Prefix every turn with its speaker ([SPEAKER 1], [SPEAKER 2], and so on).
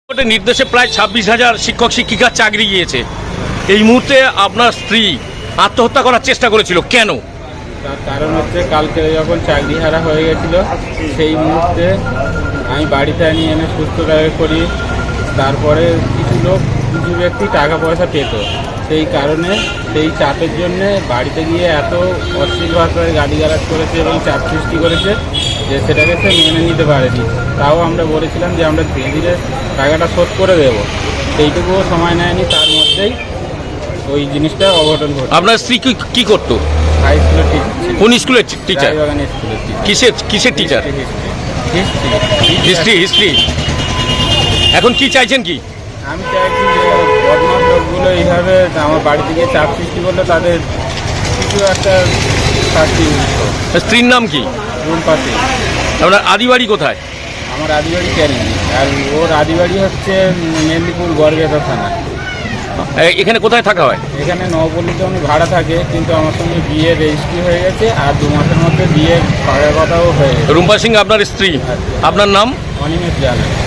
[SPEAKER 1] কোর্টের নির্দেশে প্রায় 26,000 শিক্ষক শিক্ষিকার চাকরি গিয়েছে। এই মুহূর্তে আপনার স্ত্রী আত্মহত্যা করার চেষ্টা করেছিল, কেন?
[SPEAKER 2] তার কারণ হচ্ছে কালকে যখন চাকরি হারা হয়ে গেছিল সেই মুহূর্তে আমি বাড়িতে নিয়ে এনে সুস্থ করি। তারপরে কিছু ব্যক্তি টাকা পয়সা পেত, সেই কারণে সেই চাপের জন্যে বাড়িতে গিয়ে এত অশ্লীল ভাষায় গালিগালাজ করেছে এবং চাপ সৃষ্টি করেছে যে সেটাকে সে মেনে নিতে পারেনি। তাও আমরা বলেছিলাম যে আমরা ধীরে ধীরে টাকাটা শোধ করে দেবো, সেইটুকুও সময় নেয়নি। তার মধ্যেই ওই জিনিসটা অঘটন ঘটে।
[SPEAKER 1] আপনার স্ত্রী কি করতো?
[SPEAKER 2] হাই স্কুলের টিচার।
[SPEAKER 1] কোন স্কুলের টিচার?
[SPEAKER 2] রায়বাগানের স্কুলের টিচার।
[SPEAKER 1] কিসের টিচার? হিস্ট্রি। এখন কি চাইছেন কি?
[SPEAKER 2] আমি চাইছি যে বদমাস লোকগুলো এইভাবে আমার বাড়িতে গিয়ে চাপ সৃষ্টি করলে তাদের কিছু একটা শাস্তি।
[SPEAKER 1] স্ত্রীর নাম কি?
[SPEAKER 2] রুম্পা সিং।
[SPEAKER 1] আপনার আদিবাড়ি কোথায়?
[SPEAKER 2] আমার আদিবাড়ি ক্যানিং, আর ওর আদিবাড়ি হচ্ছে মেদিনীপুর গড়বেতা থানা।
[SPEAKER 1] এখানে কোথায় থাকা হয়?
[SPEAKER 2] এখানে নবপল্লীতে উনি ভাড়া থাকে, কিন্তু আমার সঙ্গে বিয়ে রেজিস্ট্রি হয়ে গেছে আর 2 মাসের মধ্যে বিয়ের পাড়ার কথাও হয়ে গেছে।
[SPEAKER 1] রুম্পা সিং আপনার স্ত্রী, আপনার নাম?
[SPEAKER 2] অনিমেষ জানা।